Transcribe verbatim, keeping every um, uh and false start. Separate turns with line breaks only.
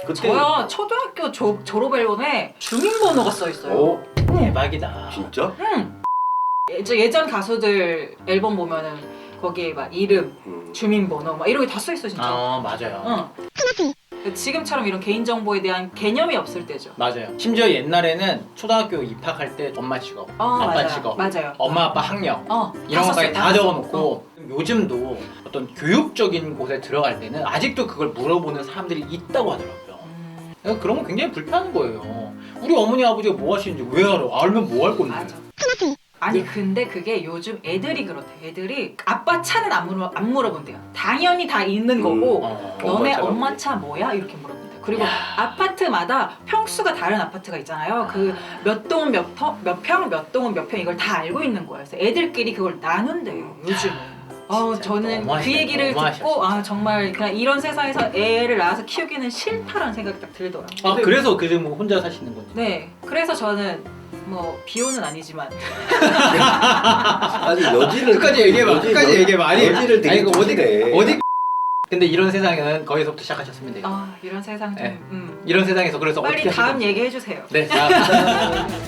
그때
저요 초등학교 조, 졸업 앨범에 주민번호가 써 있어요.
어?
대박이다.
진짜?
응. 예전, 예전 가수들 앨범 보면은 거기에 막 이름,
음.
주민번호 막 이런 게 다 써 있어 진짜.
아 맞아요.
응. 지금처럼 이런 개인정보에 대한 개념이 없을 때죠.
맞아요. 심지어 옛날에는 초등학교 입학할 때 엄마 직업,
어,
아빠
맞아요.
직업,
맞아요.
엄마 아빠 학력
어,
이런
다
것까지
썼어요.
다
썼어요.
적어놓고 요즘도 어떤 교육적인 곳에 들어갈 때는 아직도 그걸 물어보는 사람들이 있다고 하더라고요.
음,
그러니까 그런 건 굉장히 불편한 거예요. 우리 어머니 아버지가 뭐 하시는지 왜 알아? 알면 뭐 할 건데?
맞아. 아니 근데 그게 요즘 애들이 그렇대. 애들이 아빠 차는 안 물어 안 물어본대요. 당연히 다 있는 거고.
어.
너네
엄마 차가
엄마
뭐니?
차 뭐야? 이렇게 물어본대요. 그리고
야.
아파트마다 평수가 다른 아파트가 있잖아요. 그 몇 동은 몇, 터, 몇 평, 몇 동은 몇 평 이걸 다 알고 있는 거예요. 그래서 애들끼리 그걸 나눈대요. 요즘은. 어,
진짜
저는 그
너무하시네,
얘기를
너무하셨어,
듣고 아
진짜.
정말 그냥 이런 세상에서 애를 낳아서 키우기는 싫다라는 생각이 딱 들더라고요.
아 그래서 그래 뭐 혼자 사시는 건지.
네, 그래서 저는 뭐 비호는 아니지만
아니 여지를
끝까지 얘기해봐.
여지,
끝까지
여-
얘기해봐. 아니
여지를 되게
아니, 이거 어디
두시네.
어디. 근데 이런 세상은 거기서부터 시작하셨으면 돼요.
아 이런 세상 좀
네.
음.
이런 세상에서 그래서
빨리
어떻게
다음
하실 건지.
얘기 해주세요.
네. 자.